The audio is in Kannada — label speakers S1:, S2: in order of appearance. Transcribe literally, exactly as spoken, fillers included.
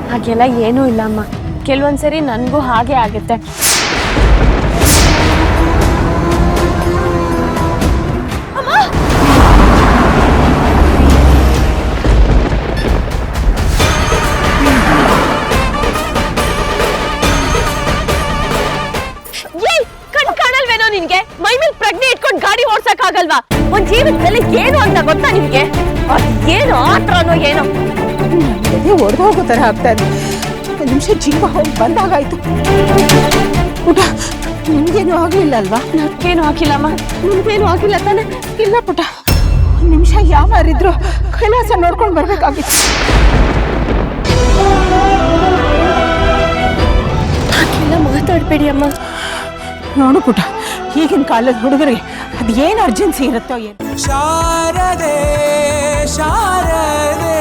S1: ಹಾಗೆಲ್ಲ ಏನೂ ಇಲ್ಲಮ್ಮ. ಕೆಲವೊಂದ್ಸರಿ ನನಗೂ ಹಾಗೆ ಆಗುತ್ತೆ. ಕಣ್ ಕಾಣಲ್ವೇನೋ ನಿನ್ಗೆ? ಮೈ ಮೇಲೆ ಪ್ರಜ್ಞೆ ಇಟ್ಕೊಂಡು ಗಾಡಿ ಓಡ್ಸಕ್ ಆಗಲ್ವಾ? ಒಂದ್ ಜೀವನದಲ್ಲಿ ಏನು ಅಂತ ಗೊತ್ತಾ ನಿಮ್ಗೆ? ಅದ್ ಏನು ಆತ್ರನೋ ಏನೋ
S2: ಎದೆ ಒಡೆದು ಹೋಗೋ ತರ ಆಗ್ತಾ ಇದೆ. ಒಂದು ನಿಮಿಷ ಜೀವ ಹೋಗಿ ಬಂದಾಗಾಯ್ತು. ಪುಟ, ನಿಮ್ಗೇನು ಆಗ್ಲಿಲ್ಲ ಅಲ್ವಾ?
S1: ನನ್ಗೇನು ಹಾಕಿಲ್ಲಮ್ಮ.
S2: ನಿಮ್ಗೇನು ಆಗಿಲ್ಲ ತಾನೆ? ಇಲ್ಲ ಪುಟ, ಒಂದು ನಿಮಿಷ ಯಾವಾರಿದ್ರು ಕೈಲಾಸ ನೋಡ್ಕೊಂಡು ಬರ್ಬೇಕಾಗಿತ್ತು.
S1: ಹಾಗೆಲ್ಲ ಮಾತಾಡ್ಬೇಡಿ ಅಮ್ಮ.
S2: ನೋಡು ಪುಟ, ಈಗಿನ ಕಾಲದ ಹುಡುಗರಿಗೆ ಅದು ಏನು ಅರ್ಜೆನ್ಸಿ ಇರುತ್ತೋ ಏನು.
S3: ಶಾರದೆ ಶಾರದೆ